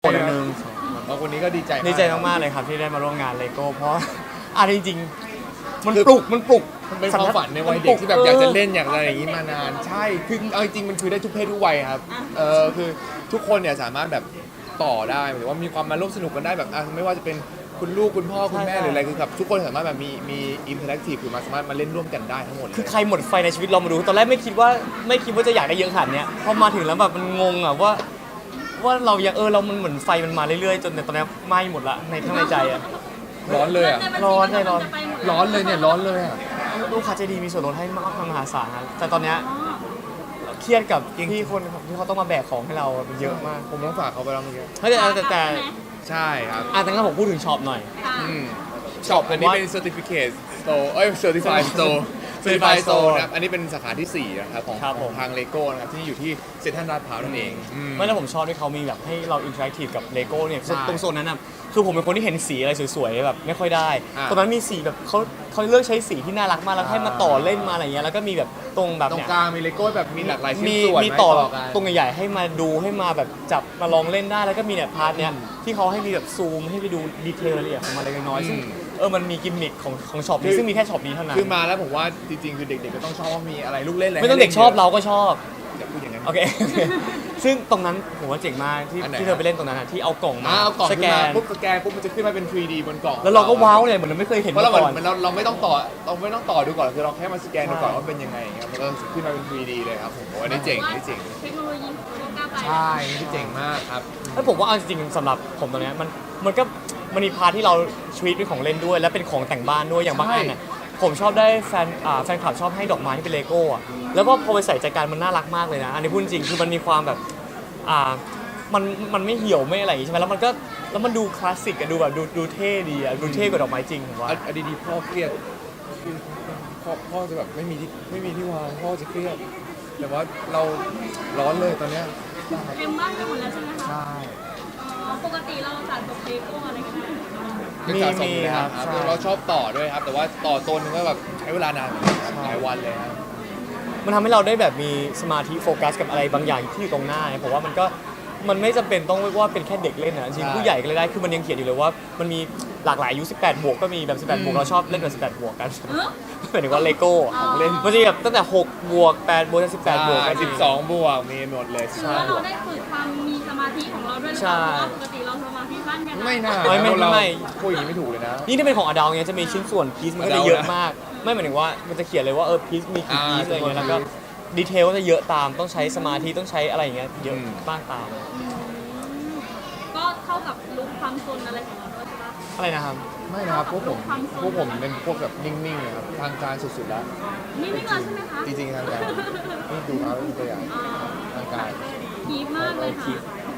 คนนึงวันนี้ก็ดีใจมากๆเลยครับที่ได้มาร่วมงานเลโก้เพราะจริงๆมันปลุกมันเป็นความฝันในวัยเด็กที่แบบอยากจะเล่นอยากอะไรอย่างนี้มานานใช่คือเอาจริงมันคือได้ทุกเพศทุกวัยครับคือทุกคนเนี่ยสามารถแบบต่อได้หรือว่ามีความมาร่วมสนุกกันได้แบบไม่ว่าจะเป็นคุณลูกคุณพ่อคุณแม่หรืออะไรคือแบบทุกคนสามารถแบบมีอินเทอร์แอคทีฟคือสามารถมาเล่นร่วมกันได้ทั้งหมดคือใครหมดไฟในชีวิตเรามาดูตอนแรกไม่คิดว่าจะอยากได้เยอะขนาดนี้พอมาถึงแล้วแบบมันงงอ่ะว่าเรายังเรามันเหมือนไฟมันมาเรื่อยๆจนตอนนี้ไหม้หมดละในข้างในใจอ่ะร้อนเลยอ่ะร้อนเลยร้อนเลยเนี่ยร้อนเลยอ่ะลูกค้าใจดีมีส่วนลดให้มหาศาลครับแต่ตอนนี้เครียดกับพี่คนที่เขาต้องมาแบกของให้เราเยอะมากผมต้องฝากเขาไปแล้วเมื่อกี้แต่ใช่ครับแต่งั้นผมพูดถึงช็อปหน่อยช็อปอันนี้เป็น Certificate Store Certified Store Certified Store นะครับอันนี้เป็นสาขาที่4นะครับของทางเลโก้นะครับที่อยู่ที่เซ็นทรัลลาดพร้าวนั่นเองไม่แล้วผมชอบที่เขามีแบบให้เราอินเทอร์แอคทีฟกับเลโก้เนี่ยตรงโซนนั้นน่ะคือผมเป็นคนที่เห็นสีอะไรสวยๆแบบไม่ค่อยได้ตอนนั้นมีสีแบบเขาเลือกใช้สีที่น่ารักมากแล้วให้มาต่อเล่นมาอะไรเงี้ยแล้วก็มีแบบตรงแบบตรเนี้งกลางมีเลโก้แบบมีหลากหลายชิ้นส่วนมีต่อกันตรงใหญ่ๆให้มาดูให้มาแบบจับมาลองเล่นได้แล้วก็มีเนี่ยพาร์ทเนี้ยที่เขาให้มีแบบซูมให้ไปดูดีเทลรายละเอียดของมันเล็กน้อยซึ่งมันมีกิมมิคของช็อปนี้ซึ่งมีแค่ช็อปนี้เท่านั้นคือมาแล้วผมว่าจริงๆคือเด็กๆก็ต้องชอบว่ามีอะไรลูกเล่นอะไรไม่ต้องเด็กชอบเราก็ชอบอย่าพูดอย่างนั้นโอเคซึ่งตรงนั้นผมว่าเจ๋งมากที่เธอไปเล่นตรงนั้นที่เอากล่องมาสแกนปุ๊บมันจะขึ้นมาเป็น 3D บนกล่องแล้วเราก็ว้าวเลยเหมือนเราไม่เคยเห็นมาก่อนเราไม่ต้องต่อดูก่อนคือเราแค่มาสแกนดูก่อนว่าเป็นยังไงครับมันก็ขึ้นมาเป็น 3D เลยครับผมว่านี่เจ๋งเทคโนโลยีก้าวไปใช่นี่เจ๋งมากครับแล้วผมว่าจริงๆสำหรับผมตรงนี้มันมีพาร์ทที่เราชีวิตเป็นของเล่นด้วยและเป็นของแต่งบ้านด้วยอย่างบางอันน่ะผมชอบได้แฟนคลับชอบให้ดอกไม้ที่เป็นเลโก้อะแล้วก็พอไปใส่ใจกันมันน่ารักมากเลยนะอันนี้พูดจริงคือมันมีความแบบมันไม่เหี่ยวไม่อะไรอย่างงี้ใช่ไหมแล้วมันดูคลาสสิกอะดูแบบดูเท่ดีอะดูเท่กว่าดอกไม้จริงผมว่าดีพ่อเครียดพ่อจะแบบไม่มีที่วางพ่อจะเครียดแต่ว่าเราร้อนเลยตอนเนี้ยเต็มบ้านไปหมดแล้วใช่ไหมคะใช่ปกติเราสะสมเลโก้อะไรกันไหมมีครับเราชอบต่อด้วยครับแต่ว่าต่อตัวนึงก็แบบใช้เวลานานหลายวันเลยครับมันทำให้เราได้แบบมีสมาธิโฟกัสกับอะไรบางอย่างที่อยู่ตรงหน้าผมว่ามันไม่จำเป็นต้องว่าเป็นแค่เด็กเล่นนะจริงผู้ใหญ่ก็เลยได้คือมันยังเขียนอยู่เลยว่ามันมีหลากหลายอายุ18 บวกก็มีแบบ18 บวกเราชอบเล่นแบบ18 บวกกันหมายถึงว่าเลโก้ของเล่นมันจะแบบตั้งแต่6 บวก 8 บวก18 บวกกัน 12 บวกมีหมดเลยคือว่าเราได้ฝึกความมีสมาธิของเราด้วยหรือเปล่าปกติเราสมาธิสั้นกันไม่น่าไม่พูดอย่างนี้ไม่ถูกเลยนะนี่ถ้าเป็นของอดัลเงี้ยจะมีชิ้นส่วนพีซมันก็จะเยอะมากไม่หมายถึงว่ามันจะเขียนเลยว่าพีซมีกี่พีซอะไรเงี้ยแล้วก็ดีเทลก็จะเยอะตามต้องใช้สมาธิต้องใช้อะไรอย่างเงี้ยเยอะมากตามก็เท่ากับลุคความซนอะไรของเราด้วยใช่ปะอะไรนะครับไม่นะครับพวกผมเป็นพวกแบบนิ่งๆนะครับทางการสุดๆแล้วนิ่งๆเลยใช่ไหมคะจริงๆทางการนี่ดูเอาตัวอย่างทางการคีบมากเลยค่ะ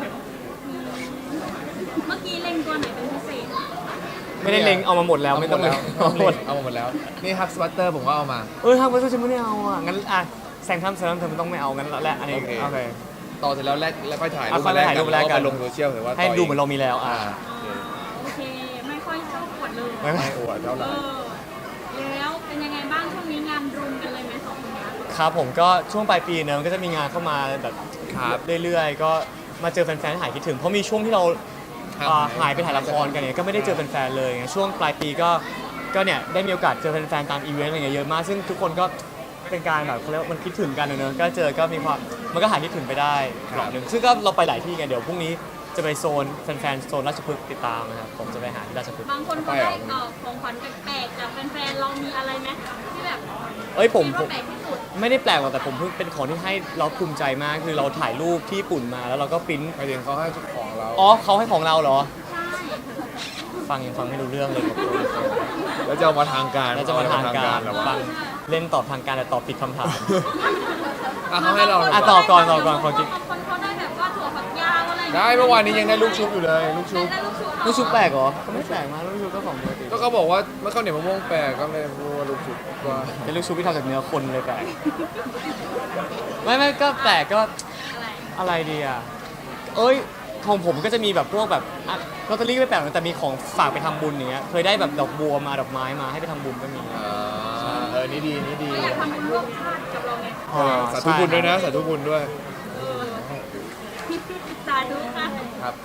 เมื่อกี้เล็งตัวไหนเป็นพิเศษไม่ได้เล็งเอามาหมดแล้วไม่ต้องเลยเอามาหมดแล้วนี่ฮักสวัตเตอร์ผมก็เอามาฮักสวัตเตอร์ฉันไม่ได้เอาอ่ะงั้นแซงทำเธอมันต้องไม่เอางั้นแล้วอันนี้โอเคต่อเสร็จแล้วแล้วค่อยถ่ายรูปแล้วก็ลงโซเชียลหรือว่าให้ดูเหมือนเรามีแล้วโอเคไม่ค่อยชอบอวดเลยไม่อวดเท่าไหร่แล้วเป็นยังไงบ้างช่วงนี้งานรุมกันเลยไหม2 คนนี้ครับผมก็ช่วงปลายปีเนอะมันก็จะมีงานเข้ามาแบบเรื่อยๆก็มาเจอแฟนๆหายคิดถึงเพราะมีช่วงที่เราหายไปถ่ายละครกันเนี่ยก็ไม่ได้เจอแฟนๆเลยช่วงปลายปีก็เนี่ยได้มีโอกาสเจอแฟนๆตามอีเวนต์อะไรเงี้ยเยอะมากซึ่งทุกคนก็เป็นการแบบเขาเรียกว่ามันคิดถึงกันเนอะก็เจอก็มีความมันก็หายคิดถึงไปได้รอบนึงซึ่งก็เราไปหลายที่ไงเดี๋ยวพรุ่งนี้จะไปโซนแฟนๆโซนราชพฤกษ์ติดตามนะครับผมจะไปหาที่ราชพฤกษ์บางคนเขาได้ของขวัญแปลกๆจากแฟนๆเรามีอะไรไหมที่แบบผมไม่ได้แปลกหรอกแต่ผมเพิ่งเป็นของที่ให้เราภูมิใจมากคือเราถ่ายรูปที่ญี่ปุ่นมาแล้วเราก็ปริ้นไปถึงเขาให้ของเราเขาให้ของเราเหรอใช่ฟังไม่รู้เรื่องเลยครับแล้วจะมาทางการฟังเล่นตอบทางการแต่ตอบผิดคำถามเขาให้เราตอบก่อนคนเขาได้แบบว่าถั่วฝักยาวอะไรได้เมื่อวานนี้ยังได้ลูกชุบอยู่เลยลูกชุบแปลกเหรอก็ไม่แปลกมากลูกชุบก็ของปกติก็เขาบอกว่าเมื่อข้าวเหนียวมะม่วงแปลกก็เลยพูดว่าลูกชุบว่าเป็นลูกชุบที่ทำจากเนื้อคนเลยแปลกไม่ก็แปลกก็อะไรดีอ่ะของผมก็จะมีแบบพวกแบบลอตเตอรี่ไม่แปลกแต่มีของฝากไปทำบุญอย่างเงี้ยเคยได้แบบดอกบัวมาดอกไม้มาให้ไปทำบุญก็มีนี่ดีอยากทำบุญร่วมชาติกับเราไงสาธุบุญด้วยนะสาธุบุญด้วยสาธุค่ะครับ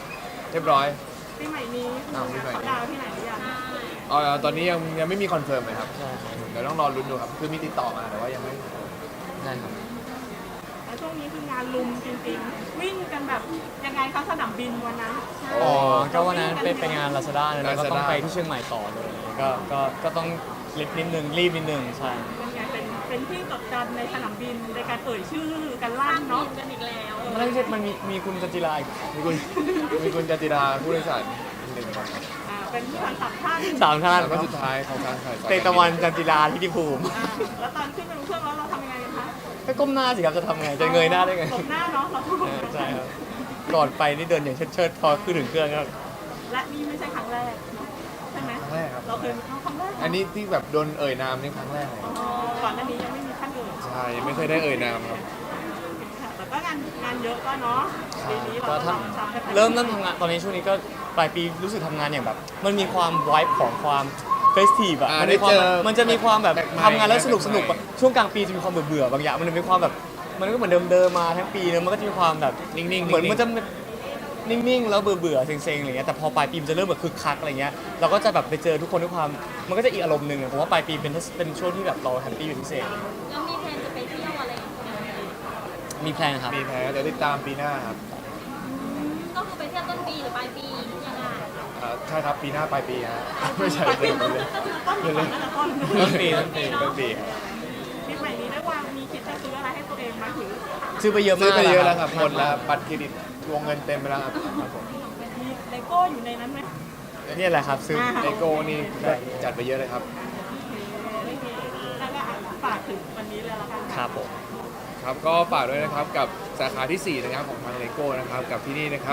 เรียบร้อยปีใหม่นี้อ้าวปีใหม่นี้เขาดาวน์ที่ไหนหรือยังตอนนี้ยังไม่มีคอนเฟิร์มเลยครับใช่ครับเดี๋ยวต้องรอลุ้นดูครับคือมีติดต่อมาแต่ว่ายังไม่ใช่ครับแล้วช่วงนี้คืองานลุมจริงๆ วิ่งกันแบบยังไงคะสนามบินวันนั้นอ๋อก็วันนั้นเป็นงาน Lazada เลยแล้วก็ต้องไปที่เชียงใหม่ต่อเลยก็ต้องรีบนิดนึงใช่เป็นไงเป็นที่จดจำในสนามบินในการเอ่ยชื่อกันลั่นเนาะเนาะกันอีกแล้วไม่ใช่มันมีคุณจันจิราอีกมีคุณจติราผู้โดยสารหนึ่งคนครับเป็นผู้ทันสับท่านสามท่านแล้วก็สุดท้ายของการถ่ายเตตะวันจันจิราทิติภูมิแล้วตอนขึ้นไปบนเครื่องแล้วเราทำยังไงกันคะก็ก้มหน้าสิครับจะทำไงจะเงยหน้าได้ไงหลบหน้าเนาะเราใช่ครับก่อนไปนี่เดินอย่างเชิดๆพอขึ้นถึงเครื่องก็และนี่ไม่ใช่ครั้งแรกเนอะใช่ไหมครั้งแรกครับเราเคยครั้งแรกอันนี้ที่แบบโดนเอ่ยนามนี่ครั้งแรกเลยก่อนหน้านี้ยังไม่มีท่านอื่นใช่ยังไม่เคยได้เอ่ยนามครับค่ะแต่ก็งานเยอะก็เนาะปีนี้เราก็ก็ททำกันไปำเริ่มทำงานตอนนี้ช่วงนี้ก็ปลายปีรู้สึกทำงานอย่างแบบ มันมีความไวบ์ของความเฟสทีฟอะอ่ามันมีความได้เจอมันจะมีความแบบแปลกใหม่ทำงานแล้วสนุกแปลกใหม่อะช่วงกลางปีจะมีความเบื่อๆบางอย่างมันจะมีความแบบมันก็เหมือนเดิมๆมาทั้งปีเนอะมันก็จะมีความแบบนิ่งๆเหมือนมันจะนิ่งๆแล้วเบื่อๆเซ็งๆอะไรเงี้ยแต่พอปลายปีมันจะเริ่มแบบคึกคักอะไรเงี้ยเราก็จะแบบไปเจอทุกคนด้วยความมันก็จะอีกอารมณ์หนึ่งอะผมว่าปลายปีเป็นช่วงที่แบบเราแฮปปี้เป็นพิเศษแล้วมีแผนจะไปเที่ยวอะไรกันไหมมีแพลนครับมีแพ้เดี๋ยวติดตามปีหน้าครับก็คือไปเที่ยวต้นปีหรือปลายปียังไงใช่ครับปีหน้าปลายปีฮะไม่ใช่เดือนเลยต้นก่อนนั่นแหละต้นต้นปีต้นปีครับปีใหม่นี้ได้วางมีคิดจะซื้ออะไรให้ตัวเองไหมหรือซื้อไปเยอะมากซื้อไปเยอะแล้วครับหมดแล้วบัตรเครดิตวงเงินเต็มไปแล้วครับครับผมมีเลโก้อยู่ในนั้นไหมเนี่ยแหละครับซื้อเลโก้นี่ก็จัดไปเยอะเลยครับแล้วก็ฝากถึงวันนี้เลยละกันครับผมครับก็ฝากด้วยนะครับกับสาขาที่ 4 นะครับของทางเลโก้นะครับกับที่นี่นะครับ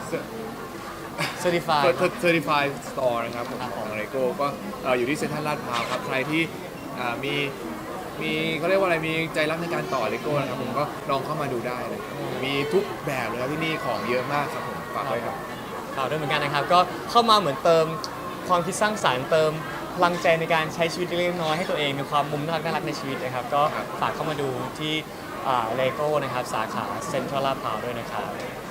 Certified Certified Store นะครับของเลโก้ก็อยู่ที่เซ็นทรัลลาดพร้าวครับใครที่มีเขาเรียกว่าอะไรมีใจรักในการต่อเลโก้นะครับผมก็ลองเข้ามาดูได้นะครับมีทุกแบบเลยครับที่นี่ของเยอะมากครับผมฝากด้วยครับข่าวด้วยเหมือนกันนะครับ ก็เข้ามาเหมือนเติมความคิดสร้างสรรค์เติมพลังใจในการใช้ชีวิตเล็กๆน้อยๆให้ตัวเองมีความมุมน่ารักในชีวิตนะครับ ก็ครับฝากเข้ามาดูที่เลโก้นะครับสาขาเซ็นทรัลลาดพร้าวด้วยนะครับ